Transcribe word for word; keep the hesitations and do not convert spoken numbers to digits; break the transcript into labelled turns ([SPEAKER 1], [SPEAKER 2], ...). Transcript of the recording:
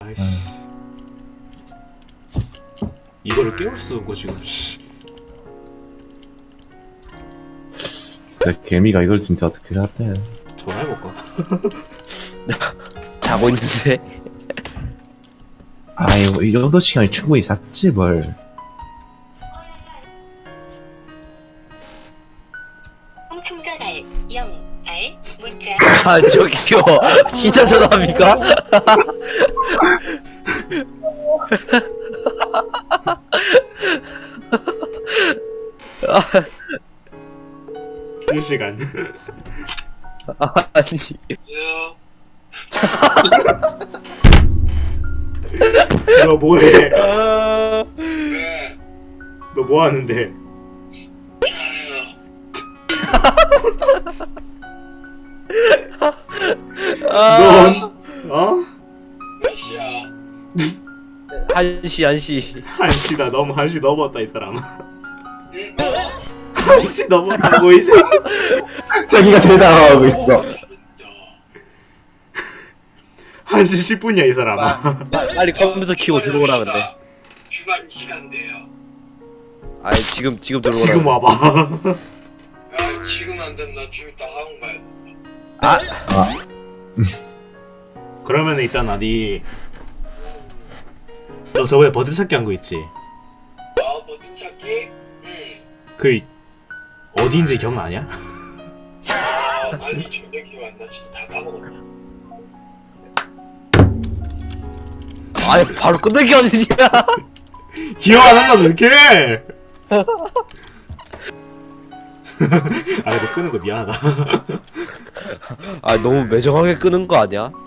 [SPEAKER 1] 아이씨. 이거를 깨울 수 없고 지금. 씨.
[SPEAKER 2] 진짜 개미가 이걸 진짜 어떻게 샀대?
[SPEAKER 1] 전화해볼까?
[SPEAKER 3] 자고 있는데.
[SPEAKER 2] 아이고 이 정도 시간이 충분히 잤지 뭘.
[SPEAKER 4] 충전할 영 알 문자
[SPEAKER 3] 아 저기요. 진짜 전화합니까?
[SPEAKER 1] 실시간.
[SPEAKER 3] 아니.
[SPEAKER 1] 너 뭐해?
[SPEAKER 3] 아...
[SPEAKER 1] 너 뭐하는데? 넌 어?
[SPEAKER 5] 몇 시야?
[SPEAKER 3] 한시 한시.
[SPEAKER 1] 한시다. 너무 한시 넘었다 이 사람아.
[SPEAKER 5] 응? 어?
[SPEAKER 1] 한시 넘었다고 이제.
[SPEAKER 2] 자기가 제일 당황하고 있어.
[SPEAKER 1] 한시 십 분이야 이 사람아.
[SPEAKER 3] 빨리 컴퓨터 키고 들어오라 근데.
[SPEAKER 5] 주말 시간대요.
[SPEAKER 3] 아니 지금 지금 들어오라.
[SPEAKER 1] 지금 와봐.
[SPEAKER 5] 아 지금 안 되면 나 좀 이따 학원 가야 돼.
[SPEAKER 3] 아
[SPEAKER 1] 그러면 있잖아 니. 너 저번에 버드 찾기 한 거 있지?
[SPEAKER 5] 아 버튼 찾기? 응.
[SPEAKER 1] 그 어디인지 기억나냐?
[SPEAKER 5] 아 아니 전혀 기억 안 나. 진짜 다 까먹었다.
[SPEAKER 3] 아니 바로 끝내기 아니냐?
[SPEAKER 1] 기억 안 한다 어떡해? 아 근데 끄는 거 미안하다.
[SPEAKER 3] 아 너무 매정하게 끄는 거 아니야?